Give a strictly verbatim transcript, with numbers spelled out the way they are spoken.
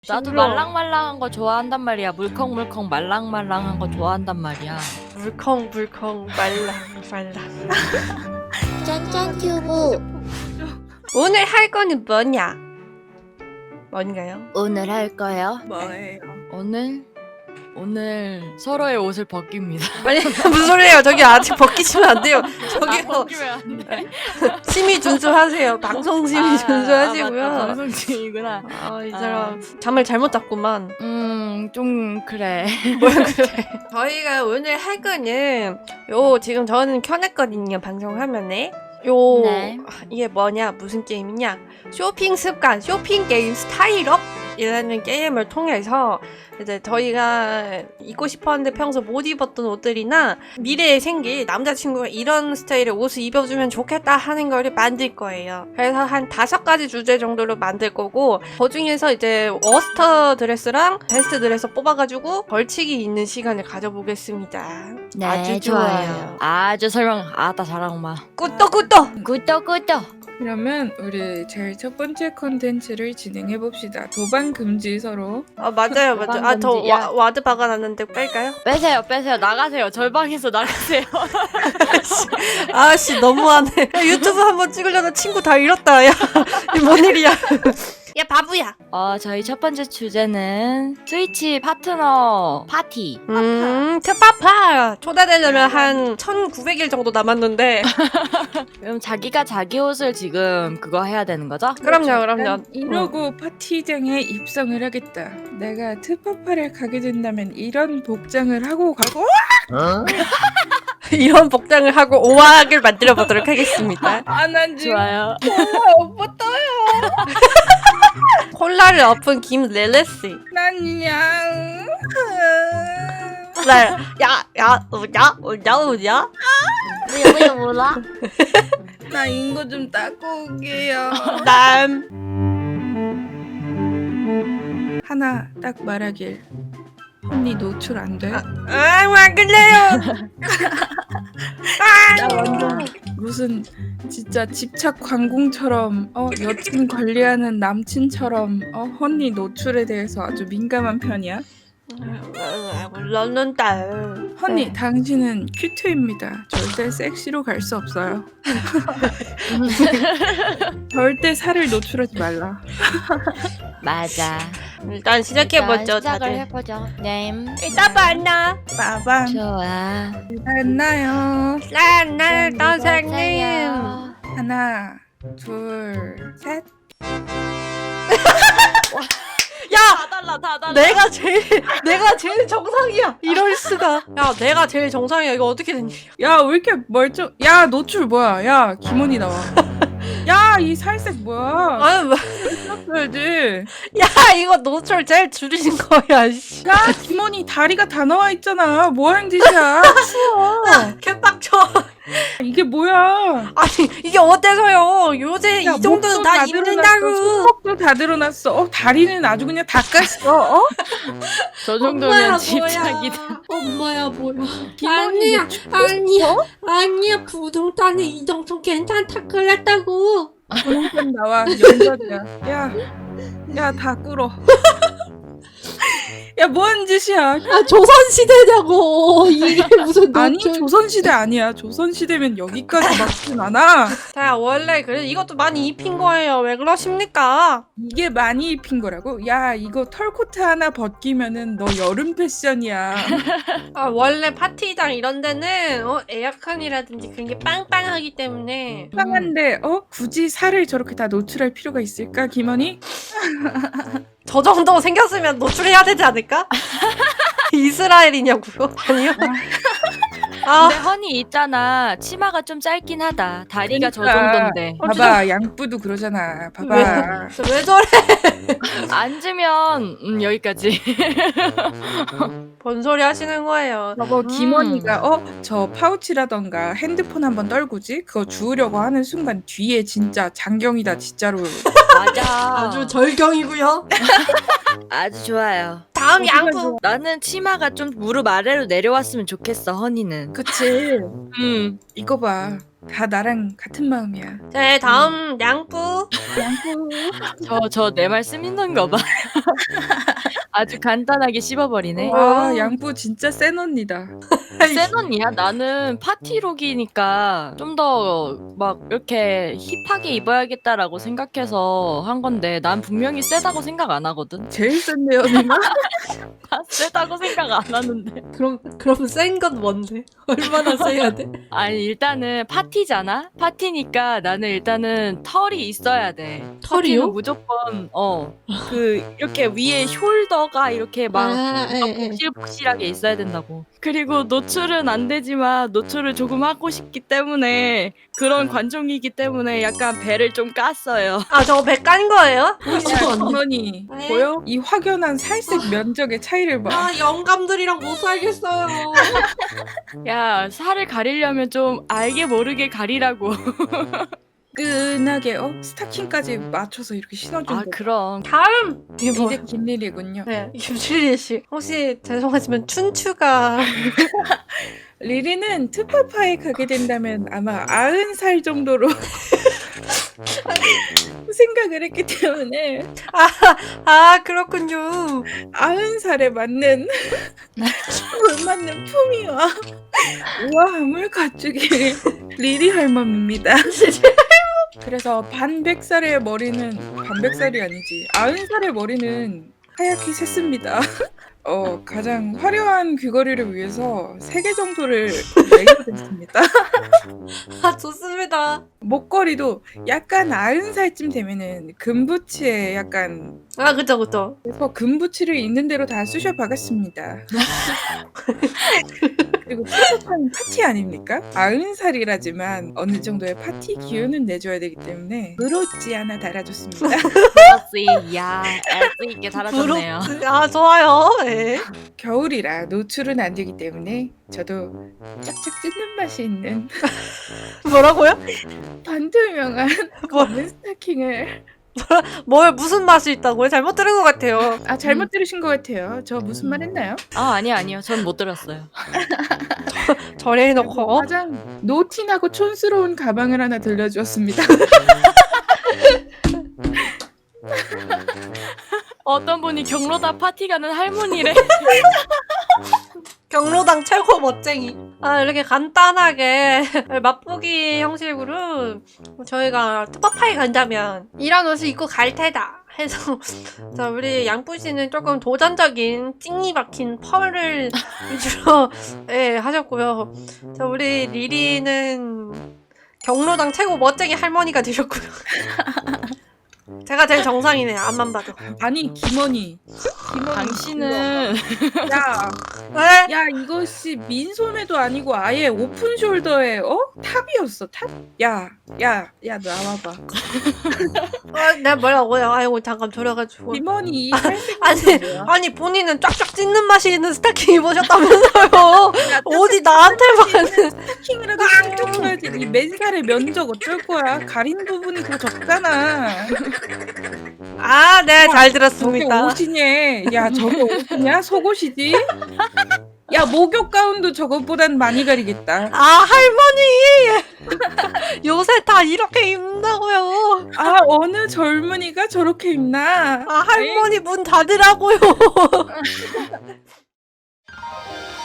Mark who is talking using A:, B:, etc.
A: 나도
B: 징그러워.
A: 말랑말랑한 거 좋아한단 말이야. 물컹물컹 말랑말랑한 거 좋아한단 말이야.
B: 물컹물컹 말랑 말랑.
C: 짠짠 튜브.
B: 오늘 할 거는 뭐냐? 뭔가요?
A: 오늘 할 거요?
D: 뭐예요?
A: 오늘 오늘 서로의 옷을 벗깁니다.
B: 아니 무슨 소리예요? 저기 아직 벗기시면 안 돼요. 저기요.
A: 벗기면 안 돼.
B: 심의 준수하세요. 방송 심의 준수하시고요.
A: 아, 맞다. 방송 중이구나.
B: 아, 이 사람 잠을 잘못 잤구만.
A: 음, 좀 그래.
B: 뭐야 그래. 저희가 오늘 할 거는 요 지금 저는 켜놨거든요. 방송화면에. 요
A: 네.
B: 이게 뭐냐 무슨 게임이냐 쇼핑 습관 쇼핑 게임 스타일업 이라는 게임을 통해서 이제 저희가 입고 싶었는데 평소 못 입었던 옷들이나 미래에 생길 남자친구가 이런 스타일의 옷을 입어주면 좋겠다 하는 거를 만들 거예요. 그래서 한 다섯 가지 주제 정도로 만들 거고 그 중에서 이제 워스터 드레스랑 베스트 드레스 뽑아가지고 벌칙이 있는 시간을 가져보겠습니다.
A: 네,
B: 아주 좋아요.
A: 아주 설명 아따 잘하구만.
B: 꾸떡꾸떡!
A: 꾸덕꾸덕.
D: 그러면 우리 제일 첫 번째 컨텐츠를 진행해 봅시다. 도반 금지 서로.
B: 아 맞아요 맞아요. 아 저
A: 도망금지야.
B: 와드 박아놨는데 뺄까요?
A: 빼세요, 빼세요. 나가세요. 절방에서 나가세요.
B: 아씨 너무하네. 야, 유튜브 한번 찍으려다 친구 다 잃었다. 야, 이게 뭔 일이야? 야 바보야.
A: 어, 저희 첫 번째 주제는 스위치 파트너 파티.
B: 음, 트파파 초대되려면 한 천구백 일 정도 남았는데.
A: 그럼 자기가 자기 옷을 지금 그거 해야 되는 거죠?
B: 그럼요, 그럼요.
D: 난 이러고 파티장에 입성을 하겠다. 내가 트파파를 가게 된다면 이런 복장을 하고 가고.
B: 이런 복장을 하고 오악을 만들어 보도록 하겠습니다.
D: 아난 지금
A: 좋아요.
D: 오빠 떠요.
B: 콜라를 엎은 김레레씨.
D: 난 그냥.
B: 네, 야, 야, 우냐, 우냐, 우냐.
C: 뭐야 뭐야 몰라?
D: 나 인거 좀 닦고 올게요.
B: 남.
D: 하나 딱 말하길. 언니 노출 안 돼?
B: 아, 왜 그래요?
D: 나 완전 무슨 진짜 집착 관공처럼 어 여친 관리하는 남친처럼 어 언니 노출에 대해서 아주 민감한 편이야.
B: 물론는데.
D: 언니 당신은 큐트입니다. 절대 섹시로 갈 수 없어요. 절대 살을 노출하지 말라.
A: 맞아.
B: 일단 시작해보죠,
A: 일단 시작을
B: 다들.
A: 해보죠. 네.
B: 이따 만나.
D: 빠밤.
A: 좋아.
D: 만나요.
B: 만나, 선생님.
A: 보세요.
D: 하나, 둘, 셋.
B: 야!
A: 다 달라, 다 달라.
B: 내가 제일 내가 제일 정상이야. 이럴 수가. 야, 내가 제일 정상이야. 이거 어떻게 된 일이야?
D: 야 왜 이렇게 멀쩡? 야 노출 뭐야? 야 김원이 나와. 야 이 살색 뭐야?
B: 아유, 뭐.
D: 써야지.
B: 야, 이거 노출 제일 줄이신 거야. 씨.
D: 야 김원이 다리가 다 나와 있잖아. 뭐 하는 짓이야? 치워.
B: 개빡쳐.
D: 이게 뭐야?
B: 아니, 이게 어때서요? 요새
D: 야,
B: 이 정도는
D: 목도
B: 다
D: 드러났어,
B: 입는다고.
D: 손목도 다 드러났어. 어 다리는 아주 그냥 다 깠어. 어?
A: 저 정도면 집착이다.
C: 엄마야 뭐야?
D: 김원이
C: 아니야 아니야 아니야 부동산에 이 정도 괜찮다 그랬다고.
D: 부동산 나와 연결이야. 야, 야 다 꿇어. 야 뭐 하는 짓이야?
C: 아 조선 시대냐고 이게 무슨
D: 아니
C: 노출.
D: 조선시대 아니야. 조선시대면 여기까지 막진 않아.
B: 자, 원래 그래 이것도 많이 입힌 거예요. 왜 그러십니까?
D: 이게 많이 입힌 거라고? 야 이거 털코트 하나 벗기면은 너 여름 패션이야.
B: 아, 원래 파티장 이런 데는 어, 에어컨이라든지 그런 게 빵빵하기 때문에
D: 편한데 어? 굳이 살을 저렇게 다 노출할 필요가 있을까 김원희?
B: 저 정도 생겼으면 노출해야 되지 않을까? 이스라엘이냐고요? 아니요. 아,
A: 근데 허니 있잖아. 치마가 좀 짧긴 하다. 다리가 저
D: 그러니까.
A: 정도인데.
D: 봐봐 양뿌도 그러잖아. 봐봐.
B: 왜, 왜 저래?
A: 앉으면 음, 여기까지.
B: 뭔 소리 하시는 거예요?
D: 저거
A: 음.
D: 김원희가 어? 저 파우치라던가 핸드폰 한번 떨구지? 그거 주우려고 하는 순간 뒤에 진짜 장경이다 진짜로.
A: 맞아.
B: 아주 절경이고요.
A: 아주 좋아요.
B: 다음
D: 어디가
B: 양부.
D: 좋아?
A: 나는 치마가 좀 무릎 아래로 내려왔으면 좋겠어, 허니는.
D: 그치.
A: 음.
D: 이거 봐. 다 나랑 같은 마음이야.
B: 네, 다음 양부.
D: 양꾸.
A: 저, 저 내 말 쓰밌는 거 봐. 아주 간단하게 씹어버리네.
D: 와, 양부 진짜 센 언니다.
A: 센 언니야? 나는 파티룩이니까 좀 더 막 이렇게 힙하게 입어야겠다라고 생각해서 한 건데 난 분명히 세다고 생각 안 하거든.
D: 제일 센데요, 누나?
A: 나 세다고 생각 안 하는데.
B: 그럼 그럼 센 건 뭔데? 얼마나 세야 돼?
A: 아니 일단은 파티잖아? 파티니까 나는 일단은 털이 있어야 돼.
B: 털이요?
A: 파티는 무조건 어 그 이렇게 위에 숄더가 이렇게 막
B: 아, 예, 예.
A: 복실복실하게 있어야 된다고. 그리고 노출은 안 되지만 노출을 조금 하고 싶기 때문에 그런 관종이기 때문에 약간 배를 좀 깠어요.
B: 아, 저거 배 깐 거예요?
D: 야,
B: 보이지도 않네.
D: 어머니
B: 네.
D: 보여? 이 확연한 살색 면적의 차이를 봐.
B: 아, 영감들이랑 못 살겠어요.
A: 야 살을 가리려면 좀 알게 모르게 가리라고.
D: 끈하게 어 스타킹까지 맞춰서 이렇게 신어준
A: 아
D: 거.
A: 그럼.
B: 다음 이게 뭐?
D: 이제 김일이군요.
B: 네, 김칠리 씨. 혹시 죄송하지만 춘추가
D: 리리는 투파파에 가게 된다면 아마 아흔 살 정도로 생각을 했기 때문에
B: 아, 그렇군요.
D: 아흔 살에 맞는 걸맞는 품위와 우아함을 갖추길 리리 할멈입니다. 그래서 반백살의 머리는 반백살이 아니지 아흔 살의 머리는 하얗게 샜습니다. 어 가장 화려한 귀걸이를 위해서 세 개 정도를 매게 됐습니다.
B: 아, 좋습니다.
D: 목걸이도 약간 아흔 살쯤 되면은 금부치에 약간
B: 아, 그쵸, 그쵸.
D: 그래서 금부치를 있는 대로 다 쑤셔 박았습니다. 그리고 투파파는 파티 아닙니까? 아흔 살이라지만 어느 정도의 파티 기운은 내줘야 되기 때문에 부럽지 않아 달아줬습니다.
A: 그렇지. 야 애도 있게 달아줬네요.
B: 부럽지. 아, 좋아요. 네.
D: 겨울이라 노출은 안 되기 때문에 저도 짝짝 찢는 맛이 있는
B: 뭐라고요?
D: 반투명한
B: 뭐,
D: 검은 스타킹을
B: 뭘 무슨 맛이 있다고요? 잘못 들은 것 같아요.
D: 아 잘못 들으신 것 같아요. 저 무슨 말 했나요?
A: 아 아니요 아니요. 전 못 들었어요.
B: 저래 해놓고.
D: 가장 노티나고 촌스러운 가방을 하나 들려주었습니다.
A: 어떤 분이 경로다 파티 가는 할머니래.
B: 경로당 최고 멋쟁이. 아, 이렇게 간단하게 맛보기 형식으로 저희가 투파파에 간다면 이런 옷을 입고 갈 테다 해서 자, 우리 양뿌 씨는 조금 도전적인 찡이 박힌 펄을 위주로 예, 하셨고요. 자, 우리 리리는 경로당 최고 멋쟁이 할머니가 되셨고요. 제가 제일 정상이네요. 앞만 봐도.
D: 아니 김원희, 김원희
A: 당신은
D: 야,
B: 네?
D: 야 이것이 민소매도 아니고 아예 오픈 숄더에 어 탑이었어 탑. 야, 야, 야 나와봐.
B: 어, 내가 뭐라고요? 아이고 잠깐 졸여가지고.
D: 김원희 이 살색
B: 아니,
D: 뭐야?
B: 아니 본인은 쫙쫙 찢는 맛이 있는 스타킹 입으셨다면서요. 어디 나한테만.
D: 스타킹이라도 신경 써야지. 이 맨살의 면적 어쩔 거야? 가린 부분이 더 적잖아.
B: 아, 네, 잘
D: 저게
B: 들었습니다.
D: 옷이냐? 야 저게 옷이냐? 속옷이지? 야 목욕 가운도 저것보단 많이 가리겠다.
B: 아, 할머니! 요새 다 이렇게 입는다고요.
D: 아 어느 젊은이가 저렇게 입나?
B: 아, 할머니 문 닫으라고요.